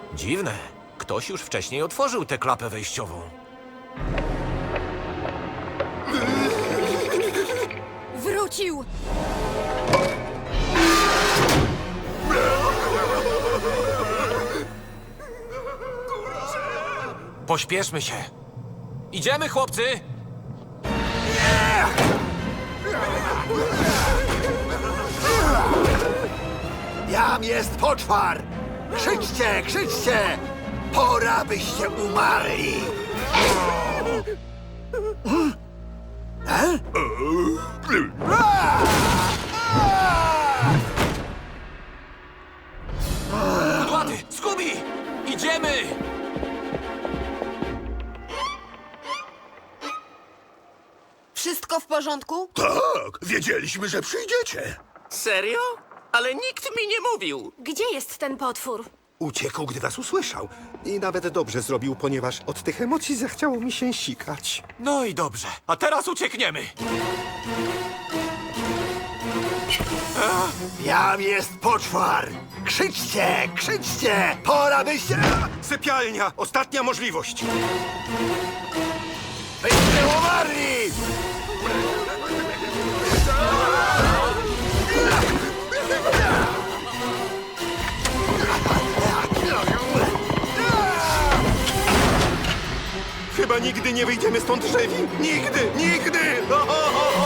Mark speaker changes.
Speaker 1: Dziwne. Ktoś już wcześniej otworzył tę klapę wejściową.
Speaker 2: Wrócił!
Speaker 1: Pośpieszmy się. Idziemy, chłopcy!
Speaker 3: Jam jest poczwar! Krzyczcie, krzyczcie! Pora byście umarli!
Speaker 1: Kudłaty! Scooby! Idziemy!
Speaker 2: Wszystko w porządku?
Speaker 3: Tak, wiedzieliśmy, że przyjdziecie.
Speaker 4: Serio? Ale nikt mi nie mówił.
Speaker 2: Gdzie jest ten potwór?
Speaker 3: Uciekł, gdy was usłyszał.
Speaker 5: I nawet dobrze zrobił, ponieważ od tych emocji zachciało mi się sikać.
Speaker 1: No i dobrze. A teraz uciekniemy.
Speaker 3: Jam jest poczwar! Krzyczcie, krzyczcie! Pora byście...
Speaker 5: Sypialnia! Ostatnia możliwość!
Speaker 3: Byście umarli!
Speaker 5: Chyba nigdy nie wyjdziemy stąd żywi! Nigdy! Nigdy!